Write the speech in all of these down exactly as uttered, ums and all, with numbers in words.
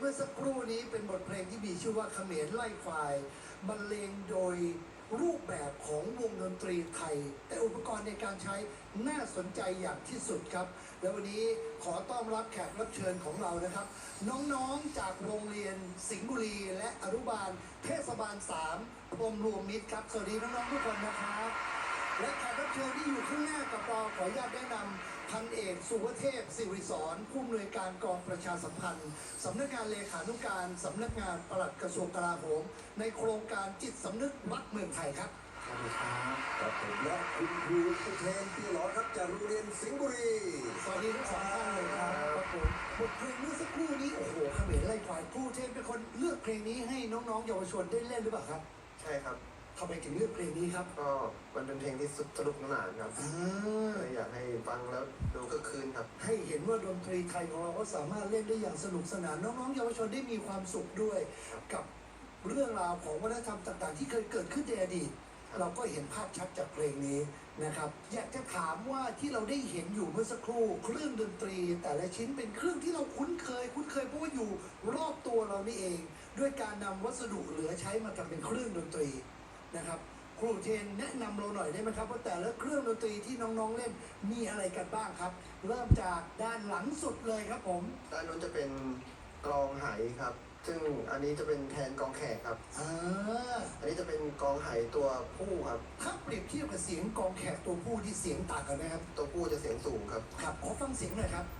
เมื่อสักครู่นี้เป็นบทเพลงที่มีชื่อว่าเขมรไล่ควายบรรเลงโดยรูปแบบของวงดนตรีไทยแต่อุปกรณ์ในการใช้น่าสนใจอย่างที่สุดครับและวันนี้ขอต้อนรับแขกรับเชิญของเรานะครับน้องๆจากโรงเรียนสิงห์บุรีและอนุบาลเทศบาลสามพรหมรวมมิตรครับสวัสดีน้องๆทุกคนนะครับและแขกรับเชิญที่อยู่ข้างหน้ากับเราขออนุญาตแนะนำพันเอกสุวเทพสิริสอนผู้อำนวยการกองประชาสัมพันธ์สำนักงานเลขานุการสำนักงานปลัดกระทรวงกลาโหมในโครงการจิตสำนึกรักเมืองไทยครับสวัสดีครับครับผมและคุณครูผู้แทนพี่หลอครับจากโรงเรียนสิงห์บุรีสวัสดีทั้งสองท่านเลยครับครับผมบทเพลงเมื่อสักครู่นี้โอ้โหเขมรไล่ควายครูเทพเป็นคนเลือกเพลงนี้ให้น้องๆเยาวชนได้เล่นหรือเปล่าครับใช่ครับทำไมถึงเลือกเพลงนี้ครับก็มันเป็นเพลงที่สนุกสนานครับเลยอยากให้ฟังแล้วดูก็คืนครับให้เห็นว่าดนตรีไทยของเราก็สามารถเล่นได้อย่างสนุกสนานน้องๆเยาวชนได้มีความสุขด้วยกับเรื่องราวของวัฒนธรรมต่างๆที่เคยเกิดขึ้นในอดีตเราก็เห็นภาพชัดจากเพลงนี้นะครับอยากจะถามว่าที่เราได้เห็นอยู่เมื่อสักครู่เครื่องดนตรีแต่ละชิ้นเป็นเครื่องที่เราคุ้นเคยคุ้นเคยเพราะว่าอยู่รอบตัวเรานี่เองด้วยการนำวัสดุเหลือใช้มาทำเป็นเครื่องดนตรีนะครับครูเทนแนะนำเราหน่อยได้ไหมครับว่าแต่ละเครื่องดนตรีที่น้องๆเล่นมีอะไรกันบ้างครับเริ่มจากด้านหลังสุดเลยครับผมด้านนู้นจะเป็นกลองไหครับซึ่งอันนี้จะเป็นแทนกองแขกครับอ่าอันนี้จะเป็นกองไหตัวผู้ครับถ้าเปรียบเทียบกับเสียงกองแขกตัวผู้ที่เสียงต่างกันไหมครับตัวผู้จะเสียงสูงครับครับขอฟังเสียงหน่อยครับ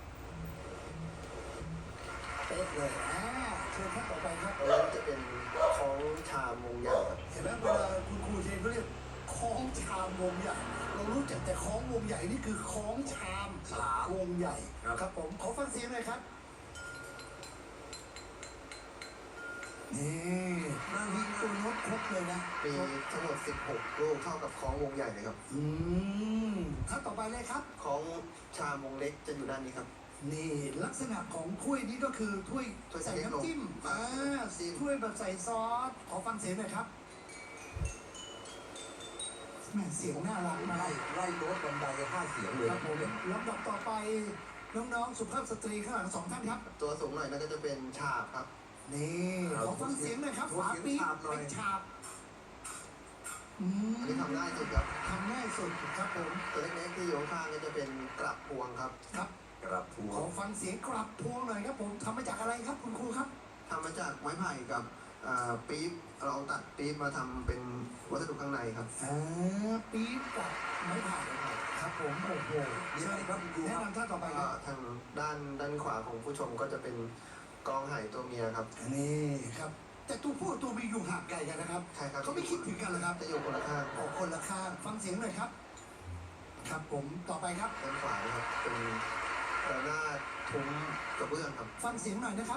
เป๊ะเลยอ่าเชิญท่านต่อไปครับแล้วจะเป็นคล้องชามวงใหญ่ครับเห็นไหมเวลาคุณครูเทนเขาเรียกคล้องชามวงใหญ่เรารู้จักแต่คล้องวงใหญ่นี่คือคล้องชามวงใหญ่ครับผมขอฟังเสียงหน่อยครับนี่นาวิงตัวโน้ตครบเลยนะมีทั้งหมดสิบหกลูกเท่ากับคล้องวงใหญ่เลยครับอืมขั้นต่อไปเลยครับคล้องชามวงเล็กจะอยู่ด้านนี้ครับนี่ลักษณะของถ้วยนี้ก็คือถ้วยใส่น้ำจิ้มอ่าถ้วยแบบใส่ซอสขอฟังเสียงหน่อยครับแม่เสียงน่ารักมากไล่ไล่โน้ตบันไดห้าเสียงเลยครับผมลำดับต่อไปน้องๆสุภาพสตรีข้างหลังสองท่านครับตัวสูงหน่อยนั่นก็จะเป็นฉาบครับนี่ขอฟังเสียงหน่อยครับฝาปี๊บเป็นฉาบอันนี้ทำง่ายสุดครับทำง่ายสุดครับผมตัวเล็กๆที่อยู่ข้างก็จะเป็นกลับพวงครับครับกลับพวงขอฟังเสียงกลับพวงหน่อยครับผมทำมาจากอะไรครับคุณครูครับทำมาจากไม้ไผ่กับปี๊บเราตัดปี๊บมาทำเป็นวัสดุข้างในครับอ่าปี๊บกับไม้ไผ่ครับผมโอ้โหนี่ครับแนะนำท่านต่อไปครับทางด้านด้านขวาของผู้ชมก็จะเป็นกองไหตัวเมียครับนี่ครับแต่ตัวผู้ตัวเมียอยู่ห่างไกลกันนะครับใช่ครับเขาไม่คิดถึงกันเหรอครับจะอยู่คนละข้างออกคนละข้างฟังเสียงหน่อยครับครับผมต่อไปครับด้านขวาครับเป็นระนาดทุ้มกระเบื้องครับฟังเสียงหน่อยนะครับ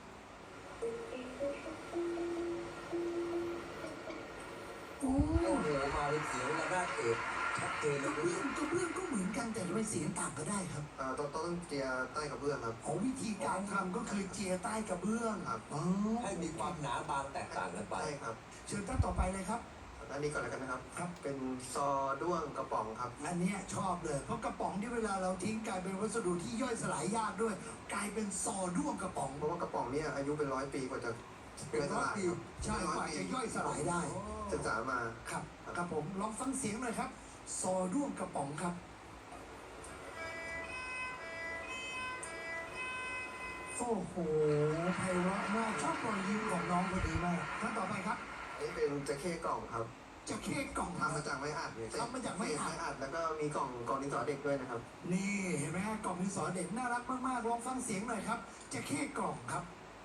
โอ้โหมาเป็นเสียงระนาดเอกชัดเจนเลยกระเบื้องกระเบื้องก็เหมือนกันแต่ไม่เสียงต่างก็ได้ครับอ่าต้องต้องเจียใต้กระเบื้องครับอ๋อวิธีการทำก็คือเจียใต้กระเบื้องครับอ๋อให้มีความหนาบางแตกต่างกันไปใช่ครับเชิญท่านต่อไปเลยครับอันนี้ก่อนแล้วกันนะครับครับเป็นซอด้วงกระป๋องครับอันนี้ชอบเลยเพราะกระป๋องที่เวลาเราทิ้งกลายเป็นวัสดุที่ย่อยสลายยากด้วยกลายเป็นซอด้วงกระป๋องเพราะว่ากระป๋องนี้อายุเป็นร้อยปีกว่าจะเป็นร้อยปีใช่กว่าจะย่อยสลายได้ศึกษามาครับครับผมลองฟังเสียงหน่อยครับซอด้วงกระป๋องครับโอ้โหไพเราะมากชอบรอยยิ้มของน้องคนนี้มากท่านต่อไปครับนี่เป็นจะเข้กล่องครับจะเข้กล่องทำมาจากไม้อัดเลยทำมาจากไม้อัดแล้วก็มีกล่องกล่องดินสอเด็กด้วยนะครับนี่เห็นไหมฮะกล่องดินสอเด็กน่ารักมากๆลองฟังเสียงหน่อยครับจะเข้กล่องครับ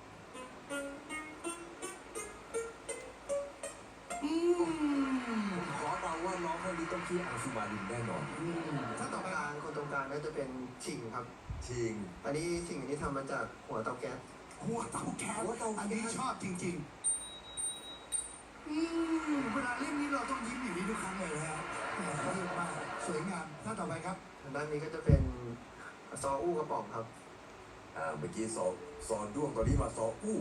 อืมขอเดาว่าน้องคนนี้ต้องชื่ออังสุมาลินแน่นอนถ้าต่อไปคนตรงกลางก็จะเป็นชิงครับชิงอันนี้ชิงอันนี้ทำมาจากหัวเตาแก๊สหัวเตาแก๊สอันนี้ชอบจริงๆอืมเวลาเล่นนี้เราต้องยิ้มอยู่นี้ทุกครั้งเลยนะฮะเรียกว่าสวยงามท่านต่อไปครับด้านนี้ก็จะเป็นซออู้กระป๋องครับอ่าเมื่อกี้ซอซอด้วงตอนนี้มาซออู้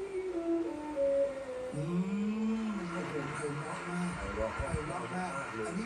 อืมโอ้โหไพเราะมากไพเราะมากอันนี้ก็เห็น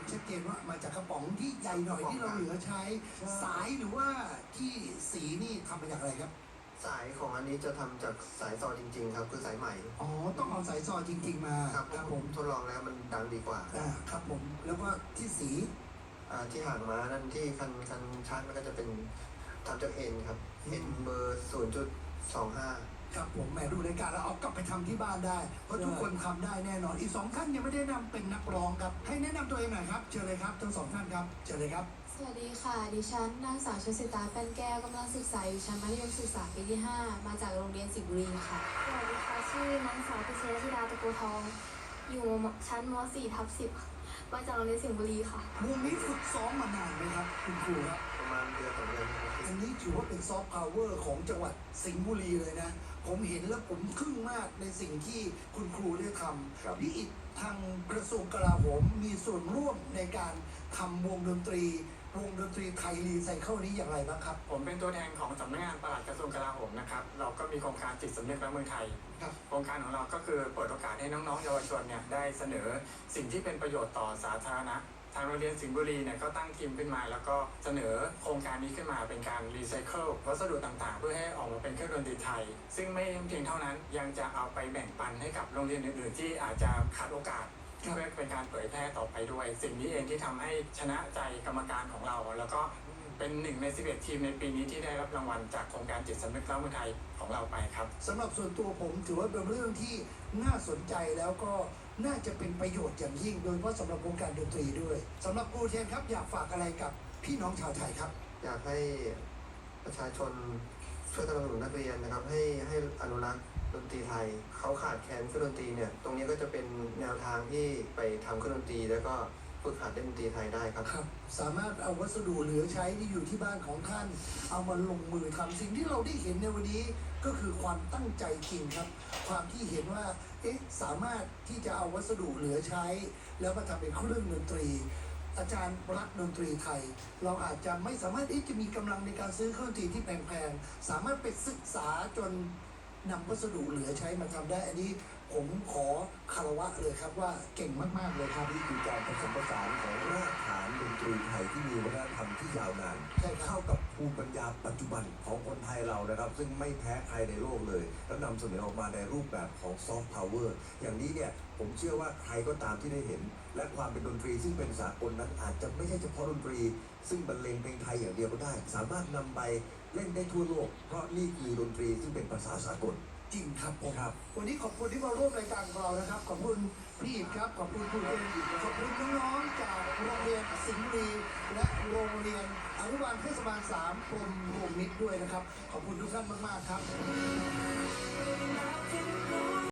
ชัดเจนว่ามาจากกระป๋องที่ใหญ่หน่อยที่เราเหลือใช้ สายหรือว่าที่สีนี่ทำมาจากอะไรครับสายของอันนี้จะทำจากสายซอจริงๆครับคือสายใหม่อ๋อต้องเอาสายซอจริง ๆ มาครับครับผผม มทดลองแล้วมันดังดีกว่าอ่าครับผมแล้วก็ที่สีอ่าที่ห่างมานั่นที่คันคันชาร์จมันก็จะเป็นทำจากเอ็นครับเอ็นเบอร์ศูนย์จุดสองห้าครับผมแหมดูรายการแล้วเอากลับไปทำที่บ้านได้ เพราะทุกคนทำได้แน่นอนอีกสองท่านยังไม่ได้แนะนำเป็นนักร้องครับให้แนะนำตัวเองหน่อยครับเชิญเลยครับทั้งสองท่านครับเชิญเลยครับสวัสดีค่ะ ดิฉันนางสาวชสิตาแป้นแก้วกำลังศึกษาอยู่ชั้นมัธยมศึกษาปีที่ ห้า มาจากโรงเรียนสิงห์บุรีค่ะสวัสดีค่ะ ชื่อนางสาวพิเชษธิดาตะกูทอง อยู่ชั้นม .สี่ ทับสิบมาจากโรงเรียนสิงห์บุรีค่ะวงนี้ฝึกซ้อมมานานไหมครับคุณครูครับประมาณเดือนสองเดือนครับอันนี้ถือว่าเป็นซอฟต์พาวเวอร์ของจังหวัดสิงห์บุรีเลยนะ ผมเห็นแล้วผมทึ่งมากในสิ่งที่คุณครูได้ทำพี่อิฐทางกระทรวงกลาโหมมีส่วนร่วมในการทำวงดนตรี วงดนตรีไทยรีไซเคิลนี้อย่างไรบ้างครับผมเป็นตัวแทนของสำนักงานปลัดกระทรวงกลาโหมนะครับ เราก็มีโครงการจิตสำนึกรักเมืองไทยครับโครงการของเราก็คือเปิดโอกาสให้น้องๆเยาวชนเนี่ยได้เสนอสิ่งที่เป็นประโยชน์ต่อสาธารณะ ทางโรงเรียนสิงห์บุรีเนี่ยก็ตั้งทีมขึ้นมา แล้วก็เสนอโครงการนี้ขึ้นมาเป็นการรีไซเคิลวัสดุต่างๆ เพื่อให้ออกมาเป็นเครื่องดนตรีไทย ซึ่งไม่เพียงเท่านั้นยังจะเอาไปแบ่งปันให้กับโรงเรียนอื่นๆ ที่อาจจะขาดโอกาส เพื่อเป็นการเผยแพร่ต่อไปด้วย สิ่งนี้เองที่ทำให้ชนะใจกรรมการของเรา แล้วก็เป็นหนึ่งในสิบเอ็ดทีมในปีนี้ที่ได้รับรางวัลจากโครงการจิตสำนึกรักเมืองไทยของเราไปครับสำหรับส่วนตัวผมถือว่าเป็นเรื่องที่น่าสนใจแล้วก็น่าจะเป็นประโยชน์อย่างยิ่ง โดยเฉพาะสำหรับวงการดนตรีด้วยสำหรับครูเทนครับอยากฝากอะไรกับพี่น้องชาวไทยครับอยากให้ประชาชนช่วยสนับสนุนนักเรียนนะครับ ให้ให้อนุรักษ์ดนตรีไทยเขาขาดแคลนเครื่องดนตรีเนี่ยตรงนี้ก็จะเป็นแนวทางที่ไปทำเครื่องดนตรี แล้วก็ฝึกหัดเล่นดนตรีไทยได้ครับครับสามารถเอาวัสดุเหลือใช้ที่อยู่ที่บ้านของท่าน เอามาลงมือทำสิ่งที่เราได้เห็นในวันนี้ก็คือความตั้งใจจริงครับ ความที่เห็นว่าเอ๊ะสามารถที่จะเอาวัสดุเหลือใช้ แล้วมาทำเป็นเครื่องดนตรี อาจารย์รักดนตรีไทย เราอาจจะไม่สามารถที่จะมีกำลังในการซื้อเครื่องดนตรีที่แพงๆสามารถไปศึกษาจนนำวัสดุเหลือใช้มาทำได้ อันนี้ผมขอคารวะเลยครับว่าเก่งมากๆเลยครับนี่คือการผสมผสานของรากฐานดนตรีไทยที่มีวัฒนธรรมที่ยาวนานใช่ครับเข้ากับภูมิปัญญาปัจจุบันของคนไทยเรานะครับ ซึ่งไม่แพ้ใครในโลกเลย แล้วนำเสนอออกมาในรูปแบบของซอฟต์พาวเวอร์อย่างนี้เนี่ยผมเชื่อว่าใครก็ตามที่ได้เห็น และความเป็นดนตรีซึ่งเป็นสากลนั้นอาจจะไม่ใช่เฉพาะดนตรี ซึ่งบรรเลงเพลงไทยอย่างเดียวก็ได้ สามารถนำไปเล่นได้ทั่วโลก เพราะนี่คือดนตรีซึ่งเป็นภาษาสากลจริงครับผมครับวันนี้ขอบคุณที่มาร่วมรายการของเรานะครับ ขอบคุณพี่อิฐครับ ขอบคุณครูเอ็นขอบคุณน้องๆจากโรงเรียนสิงห์บุรีและโรงเรียนอนุบาลเทศบาลสามกรมรวมมิตรด้วยนะครับ ขอบคุณทุกท่านมากๆครับ